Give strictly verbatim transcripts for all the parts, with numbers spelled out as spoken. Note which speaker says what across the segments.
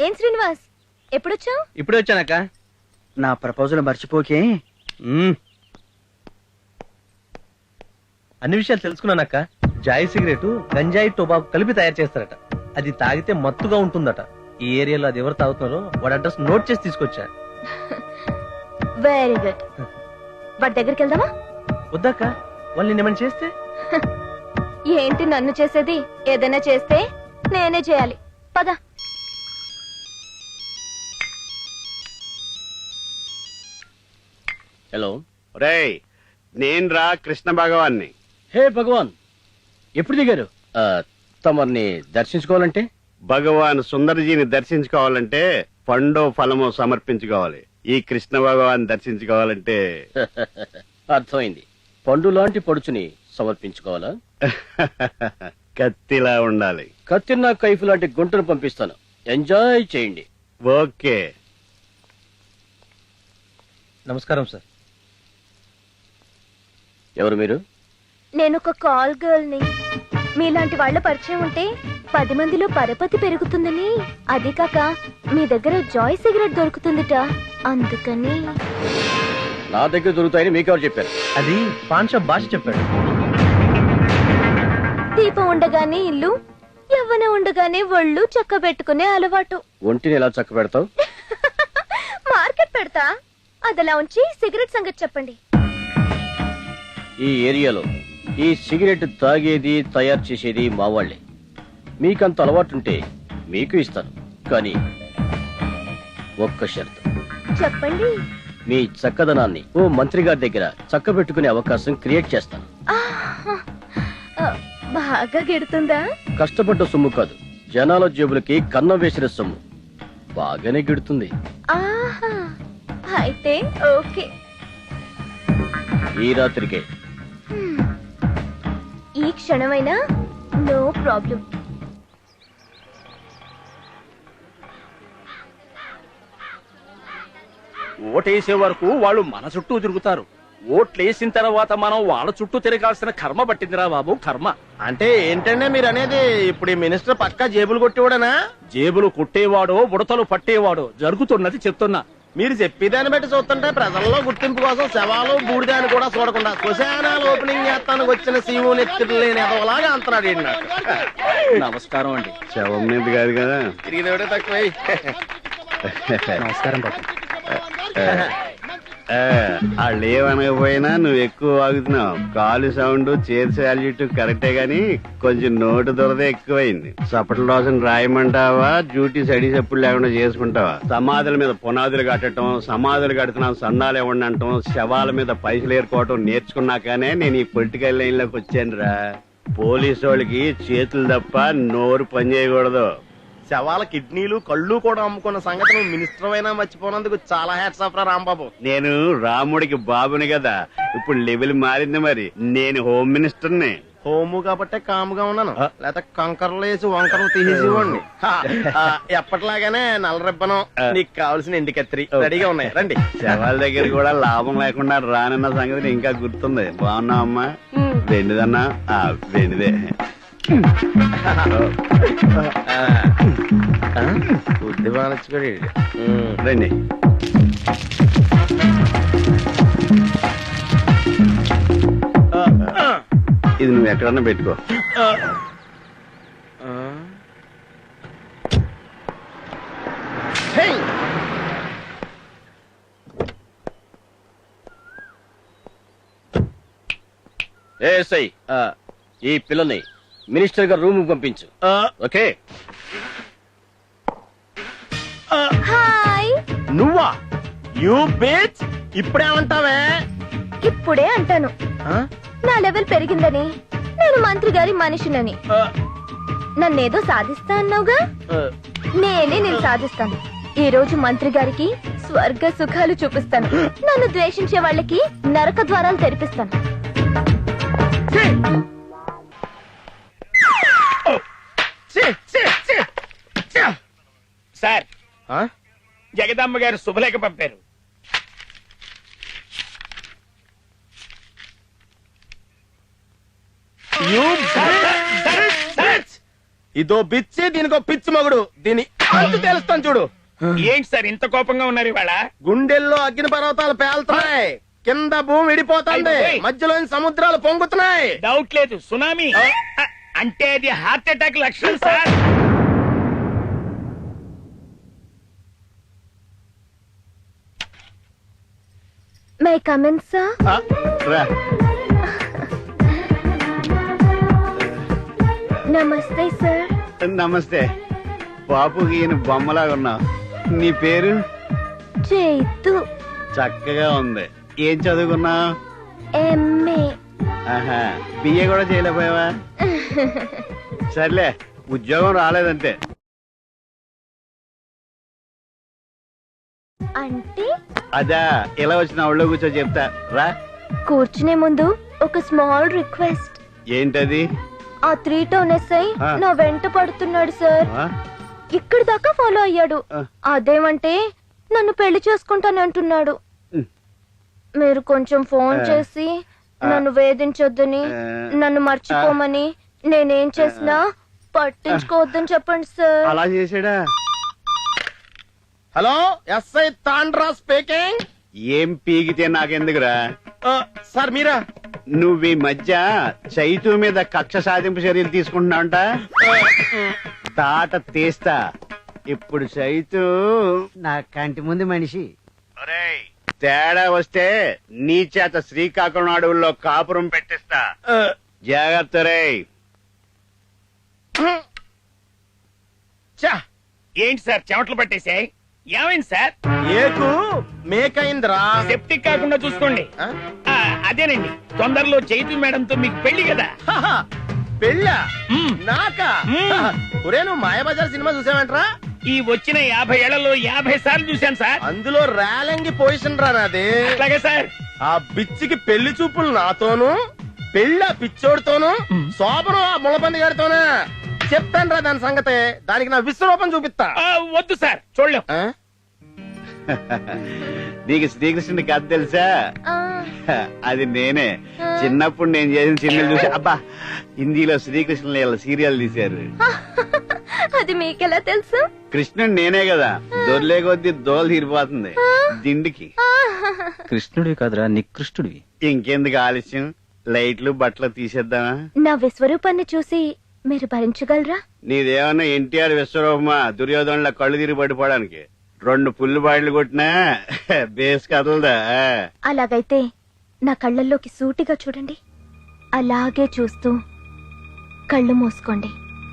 Speaker 1: ఏం శ్రీనివాస్ ఎప్పుడొచ్చావు?
Speaker 2: ఇప్పుడే వచ్చానక్క.
Speaker 3: నా ప్రపోజల్ మర్చిపోకే.
Speaker 2: అన్ని విషయాలు తెలుసుకున్నానక్క. జాయ్ సిగరెట్ గంజాయి టొబాకు కలిపి తయారు చేస్తారట. అది తాగితే మత్తుగా ఉంటుందట. ఈ ఏరియాలో అది ఎవరు తాగుతున్నారో వాడి అడ్రస్ నోట్ చేసి తీసుకొచ్చా.
Speaker 1: Very good. వాడి దగ్గరికి వెళ్దామా?
Speaker 2: వద్దాక, వాళ్ళు నిన్నేమని చేస్తే?
Speaker 1: ఏంటి నన్ను చేసేది? ఏదైనా చేస్తే నేనే చేయాలి. పద.
Speaker 4: హలో
Speaker 5: రేయ్, నేను రా కృష్ణ భగవాన్ని.
Speaker 4: హే భగవాన్, ఎప్పుడు దిగారు? తమర్ని దర్శించుకోవాలంటే?
Speaker 5: భగవాన్ సుందరజీని దర్శించుకోవాలంటే పండో ఫలమో సమర్పించుకోవాలి. ఈ కృష్ణ భగవాన్ దర్శించుకోవాలంటే
Speaker 4: అర్థమైంది. పండు లాంటి పడుచుని సమర్పించుకోవాలా?
Speaker 5: కత్తిలా ఉండాలి.
Speaker 4: కత్తిన్నా కైఫ్ లాంటి గుంటను పంపిస్తాను. ఎంజాయ్ చేయండి.
Speaker 5: ఓకే.
Speaker 2: నమస్కారం సార్.
Speaker 4: ఎవరు మీరు?
Speaker 1: నేను ఒక కాల్ గర్ల్ ని. మీలాంటి వాళ్ళ పరిచయం ఉంటే పది మందిలో పరపతి పెరుగుతుందని, అది కాక మీ దగ్గర జాయ్ సిగరెట్ దొరుకుతుందిట, అందుకని.
Speaker 4: నా దగ్గర దొరుకుతాయని మీకెవరు చెప్పారు?
Speaker 2: అది పాన్ షాప్ భాష చెప్పాడు.
Speaker 1: దీపం ఉండగానే ఇల్లు, యవ్వన ఉండగానే ఒళ్ళు చక్క పెట్టుకునే అలవాటు.
Speaker 4: ఒంటిని ఎలా చక్క పెడతావు?
Speaker 1: మార్కెట్ పెడతా. అదలా ఉంచి సిగరెట్ సంగతి చెప్పండి.
Speaker 4: ఈ ఏరియాలో ఈ సిగరెట్ తాగేది తయారు చేసేది మా వాళ్లే. మీకంత అలవాటుంటే మీకు ఇస్తాను, కానీ ఒక్క షరతు.
Speaker 1: చెప్పండి.
Speaker 4: మీ చక్కదనాన్ని ఓ మంత్రి గారి దగ్గర చక్క పెట్టుకునే అవకాశం క్రియేట్ చేస్తాను.
Speaker 1: బాగా గిడుతుందా?
Speaker 4: కష్టపడ్డ సొమ్ము కాదు, జనాల జేబులకి కన్నం వేసిన సొమ్ము. బాగానే గిడుతుంది.
Speaker 1: ఆహా, అయితే ఓకే.
Speaker 4: ఈ రాత్రికే.
Speaker 1: ఈ క్షణమైనా నో ప్రాబ్లం.
Speaker 6: ఓటేసే వరకు వాళ్ళు మన చుట్టూ తిరుగుతారు. ఓట్లేసిన తర్వాత మనం వాళ్ళ చుట్టూ తిరగాల్సిన కర్మ పట్టిందిరా బాబు, కర్మ.
Speaker 3: అంటే ఏంటంటే మీరు అనేది? ఇప్పుడు ఈ మినిస్టర్ పక్కా జేబులు కొట్టేవాడనా?
Speaker 6: జేబులు కొట్టేవాడో బుడతలు పట్టేవాడో జరుగుతున్నది చెప్తున్నా.
Speaker 3: మీరు చెప్పేదాన్ని బట్టి చూస్తుంటే ప్రజల్లో గుర్తింపు కోసం శవాలు బూడిదాన్ని కూడా చూడకుండా శ్మశానాలు ఓపెనింగ్ చేస్తానికి వచ్చిన సీఓ నెత్తులు లేని ఎదవలాగా అంటున్నాడు.
Speaker 6: నమస్కారం అండి.
Speaker 5: శవం మీద కాదు కదా.
Speaker 3: తిరిగినోడే తక్కువ.
Speaker 2: నమస్కారం బాబు.
Speaker 5: వాళ్ళు ఏమనకపోయినా నువ్వు ఎక్కువ వాగుతున్నావు. కాలు సౌండ్, చేర్ సాల్యూట్ కరెక్టే గాని కొంచెం నోటు దొరద ఎక్కువైంది. సపట్ల రోజున రాయమంటావా, డ్యూటీ సడి చెప్పులు లేకుండా చేసుకుంటావా? సమాధుల మీద పునాదులు కట్టడం, సమాధులు కడుతున్నాం సందాలు ఇవ్వండి అంటాం, శవాల మీద పైసలు ఏరుకోవటం నేర్చుకున్నాకనే నేను ఈ పొలిటికల్ లైన్ లోకి వచ్చాను రా. పోలీసు వాళ్ళకి చేతులు తప్ప నోరు పని చేయకూడదు.
Speaker 3: శవాల కిడ్నీలు కళ్ళు కూడా అమ్ముకున్న సంగతి నువ్వు మినిస్టర్ అయినా మర్చిపోయినందుకు చాలా హ్యాట్స్ ఆఫ్ రా రాంబాబు.
Speaker 5: నేను రాముడికి బాబుని కదా. ఇప్పుడు లెవెల్ మారింది మరి. నేను హోమ్ మినిస్టర్ని.
Speaker 3: హోము కాబట్టే కాముగా ఉన్నాను, లేకపోతే కంకర్లు వేసి వంకరలు తీసేసేవాడిని. ఎప్పటిలాగానే నల్ల రిబ్బనం, నీకు కావాల్సిన ఎండి కత్తిరి రెడీగా ఉన్నాయి. రండి.
Speaker 5: శవాల దగ్గర కూడా లాభం లేకుండా రానన్న సంగతి ఇంకా గుర్తుంది. బాగున్నావు అమ్మా? వెండిదన్నా? వెండిదే.
Speaker 3: బుద్ధి బాగా
Speaker 5: రండి. ఇది నువ్వు ఎక్కడన్నా పెట్టుకో.
Speaker 4: ఏ సై, ఈ పిల్లని మినిస్టర్ గారు రూమ్ పంపించు. ఓకే.
Speaker 1: హాయ్.
Speaker 3: నువ్వా? You bitch. ఇప్పుడేమంటావే?
Speaker 1: ఇప్పుడే అంటాను. నా లెవెల్ పెరిగిందని, నేను మంత్రి గారి మనిషినని. నన్నేదో సాధిస్తా అన్నావుగా, నేనే నేను సాధిస్తాను. ఈ రోజు మంత్రి గారికి స్వర్గ సుఖాలు చూపిస్తాను. నన్ను ద్వేషించే వాళ్ళకి నరక ద్వారాలు తెరిపిస్తాను.
Speaker 6: సార్, జగదమ్మ గారు శుభలేఖ పంపారు.
Speaker 3: ఇదో బిచ్చి దీనికో పిచ్చి మగుడు దీని అంతు తెలుస్తాను చూడు.
Speaker 6: ఏంటి సార్ ఇంత కోపంగా ఉన్నారు ఇవాళ?
Speaker 3: గుండెల్లో అగ్ని పర్వతాలు పేలుతున్నాయి, కింద భూమి విడిపోతుంది, మధ్యలో సముద్రాలు పొంగుతున్నాయి.
Speaker 6: డౌట్ లేదు, సునామీ. అ- అంటే అది హార్ట్ అటాక్ లక్షణం సార్.
Speaker 1: My comment sir?
Speaker 5: ఆ, రా.
Speaker 1: నమస్తే సార్.
Speaker 5: నమస్తే. బాపుకి ఈయన బొమ్మలాగా ఉన్నావు. నీ పేరు?
Speaker 1: చైతు.
Speaker 5: చక్కగా ఉంది. ఏం చదువుకున్నావు?
Speaker 1: ఎంఏ.
Speaker 5: ఆహా, బిఏ కూడా చేయలేకపోయావా? సర్లే, ఉద్యోగం రాలేదంటే.
Speaker 1: అంటే
Speaker 5: అదా, ఇలా వచ్చిన ఒళ్ళో కూర్చో చెప్తా రా.
Speaker 1: కూర్చునే ముందు ఒక స్మాల్ రిక్వెస్ట్.
Speaker 5: ఏంటది?
Speaker 1: ఆ త్రీ టౌన్ ఎస్ఐ
Speaker 5: ఆ.
Speaker 1: నా వెంట పడుతున్నాడు సార్.
Speaker 5: ఆ?
Speaker 1: ఇక్కడి దాకా ఫాలో అయ్యాడు.
Speaker 5: ఆ.
Speaker 1: అదేమంటే నన్ను పెళ్లి చేసుకుంటానంటున్నాడు.
Speaker 5: ఉమ్.
Speaker 1: మీరు కొంచెం ఫోన్
Speaker 5: ఆ.
Speaker 1: చేసి
Speaker 5: ఆ.
Speaker 1: నన్ను వేధించొద్దని,
Speaker 5: ఆ.
Speaker 1: నన్ను మర్చిపోమని, నేనేం చేసినా పట్టించుకోవద్దని చెప్పండి సార్.
Speaker 5: అలా చేసాడా?
Speaker 3: Hello, SI Tandra speaking.
Speaker 5: ఏం పీకితే నాకెందుకురా?
Speaker 3: సార్ మీరా?
Speaker 5: నువ్వు ఈ మధ్య చైతు మీద కక్ష సాధింపు చర్యలు తీసుకుంటున్నావంట. తాట తీస్తా. ఇప్పుడు చైతు
Speaker 7: నా కంటి ముందు మనిషి.
Speaker 5: తేడా వస్తే నీ చేత శ్రీకాకుళం అడవుల్లో కాపురం పెట్టిస్తా. జాగ్రత్త రే.
Speaker 3: చా,
Speaker 6: ఏంటి సార్ చెమటలు పట్టేశాయి? ఏమైంది సార్?
Speaker 3: ఏకు మేకైందిరా.
Speaker 6: సెప్టిక్ కాకుండా చూసుకోండి.
Speaker 3: ఆ?
Speaker 6: ఆ, అదేనండి, తొందరలో చైతు మేడంతో మీకు పెళ్లి కదా.
Speaker 3: హహ, పెళ్ళా?
Speaker 6: మ్మ్.
Speaker 3: నాకా?
Speaker 6: మ్మ్.
Speaker 3: హహ, ఒరే నువ్వు మాయాబజార్ సినిమా చూసావంట్రా?
Speaker 6: ఈ వచ్చిన యాభై ఏళ్లలో యాభై సార్లు చూశాను సార్.
Speaker 3: అందులో రేలంగి పొజిషన్ రా నాది.
Speaker 6: అట్లాగే సార్.
Speaker 3: ఆ బిచ్చికి పెళ్లి చూపులు నాతోను, పెళ్ళి ఆ పిచ్చోడితోను, శోభనం ఆ ములపంది గారితోనా. చెప్తాను రా దాని సంగతే. దానికి నా విశ్వరూపం చూపిస్తా.
Speaker 6: ఆ, వద్దు సార్, చూడలేం.
Speaker 3: ఆ?
Speaker 5: నీకు శ్రీకృష్ణుడి కథ తెలుసా?
Speaker 1: ఆ,
Speaker 5: అది నేనే. చిన్నప్పుడు నేను చేసిన సినిమాలు చూసి అబ్బా, హిందీలో శ్రీకృష్ణ లీల సీరియల్ తీశారు.
Speaker 1: అది మీకెలా తెలుసు?
Speaker 5: కృష్ణుడు నేనే కదా. దొర్లే కొద్దీ దోలు తీరిపోతుంది దిండికి.
Speaker 8: కృష్ణుడివి కాదురా, నికృష్టుడివి.
Speaker 5: ఇంకెందుకు ఆలస్యం, లైట్లు బట్టలు తీసేద్దామా?
Speaker 1: నా విశ్వరూపాన్ని చూసి మీరు భరించగలరా?
Speaker 5: నీదేమన్నా ఎన్టీఆర్ విశ్వరూపమా దుర్యోధనుల కళ్ళు తిరిగి పడిపోవడానికి? రెండు పుల్లు బాయిలు కొట్టినా బేస్ కదలదా?
Speaker 1: అలాగైతే నా కళ్ళల్లోకి సూటిగా చూడండి. అలాగే చూస్తూ కళ్ళు మూసుకోండి.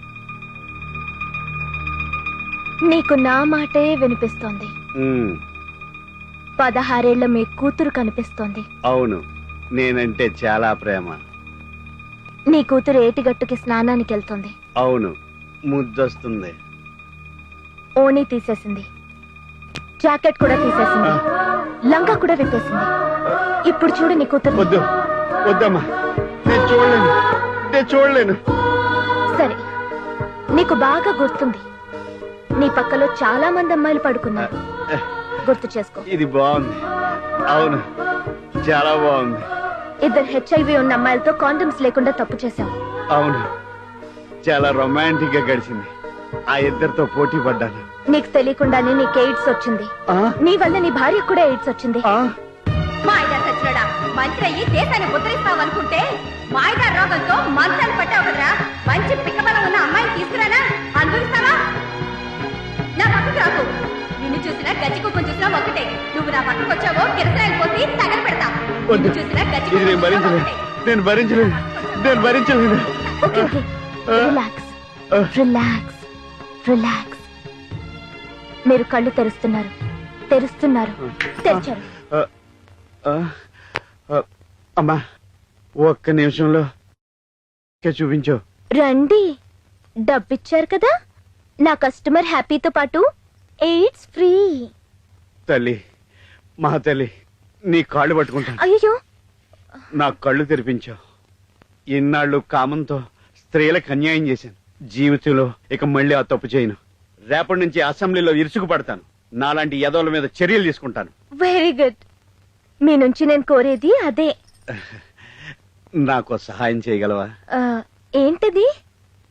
Speaker 1: నీకు నా మాటే వినిపిస్తోంది.
Speaker 5: ఉమ్,
Speaker 1: పదహారేళ్ల మీ కూతురు కనిపిస్తోంది.
Speaker 5: అవును, నేనంటే చాలా ప్రేమ.
Speaker 1: నీ కూతురు ఏటిగట్టుకి స్నానానికి వెళ్తుంది.
Speaker 5: అవును, ముద్దొస్తుంది.
Speaker 1: ఓణీ తీసేసింది, జాకెట్ కూడా తీసేసింది, లంగా కూడా విప్పేసింది. ఇప్పుడు చూడు నీ కూతురు.
Speaker 5: వద్దు వద్దమ్మా, నేను చూడలేను, నేను చూడలేను.
Speaker 1: సరే, నీకు బాగా గుర్తుంది, నీ పక్కలో చాలా మంది అమ్మాయిలు పడుకున్నారు. గుర్తు చేసుకో.
Speaker 5: ఇది బాగుంది. అవును, చాలా బాగుంది.
Speaker 1: ఇద్దరు హెచ్ఐవి ఉన్న అమ్మాయిలతో కాండమ్స్ లేకుండా తప్పు చేశావు.
Speaker 5: అవును, చాలా రొమాంటిక్ గా గడిచింది. ఆ ఇద్దరితో పోటీ పడ్డాను.
Speaker 1: నీకు తెలియకుండానే నీకు ఎయిడ్స్ వచ్చింది.
Speaker 5: ఆ?
Speaker 1: నీ వల్ల నీ భార్యకు కూడా ఎయిడ్స్ వచ్చింది.
Speaker 5: ఆ?
Speaker 9: మాయగారు సచ్చినాడా, మంత్రి అయ్యి దేశాన్ని ఉద్ధరిస్తావనుకుంటే మాయగారు రోగంతో మంత్రాన్ని పట్టావు కదరా. మంచి పిక్కబలం ఉన్న అమ్మాయిని తీసుకురానా, అనుభవిస్తావా? నా పక్కకు రాకు. నిన్ను చూసినా గజ్జి కుక్కను చూసినా ఒకటే. నువ్వు నా పక్కకు వచ్చావో కిరసనాయలు పోసి తగల పెడతా. నిన్ను చూసినా గజ్జి
Speaker 5: ఇది నేను భరించలేను, నేను భరించలేను, నేను భరించలేను.
Speaker 1: Okay okay, relax relax relax. మీరు కళ్ళు తెరుస్తున్నారు, తెరుస్తున్నారు, తెరిచారు.
Speaker 5: ఆ, ఆ, ఆ, అమ్మా, ఒక్క నిమిషంలో ఇంకా చూపించు.
Speaker 1: రండి, డబ్బిచ్చారు కదా. నా కస్టమర్ హ్యాపీతో పాటు ఎయిడ్స్ ఫ్రీ.
Speaker 5: తల్లి, మా తల్లి, నీ కాళ్ళు పట్టుకుంటాను.
Speaker 1: అయ్యో,
Speaker 5: నా కళ్ళు తెరిపించావు. ఇన్నాళ్ళు కామంతో స్త్రీలకు అన్యాయం చేశాను. జీవితంలో ఇక మళ్ళీ ఆ తప్పు చేయను. రేపటి నుంచి అసెంబ్లీలో ఇరుసుకు పడతాను. నాలాంటి యదవుల మీద చర్యలు తీసుకుంటాను.
Speaker 1: Very good. మీ నుంచి నేను కోరేది అదే.
Speaker 5: నాకు సహాయం చేయగలవా?
Speaker 1: ఆ, ఏంటిది?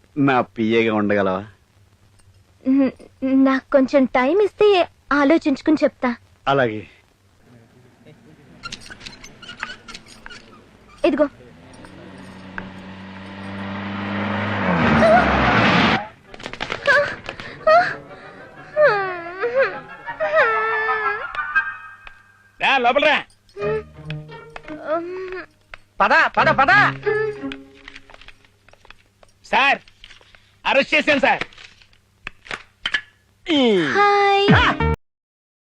Speaker 5: నా పియ్యగా ఉండగలవా?
Speaker 1: న- నాకు కొంచెం టైం ఇస్తే ఆలోచించుకుని చెప్తా.
Speaker 5: అలాగే.
Speaker 1: ఇదిగో.
Speaker 6: లోపలరా.
Speaker 2: పద పద పద.
Speaker 6: సార్ అరెస్ట్ చేశాను సార్.
Speaker 1: హాయ్.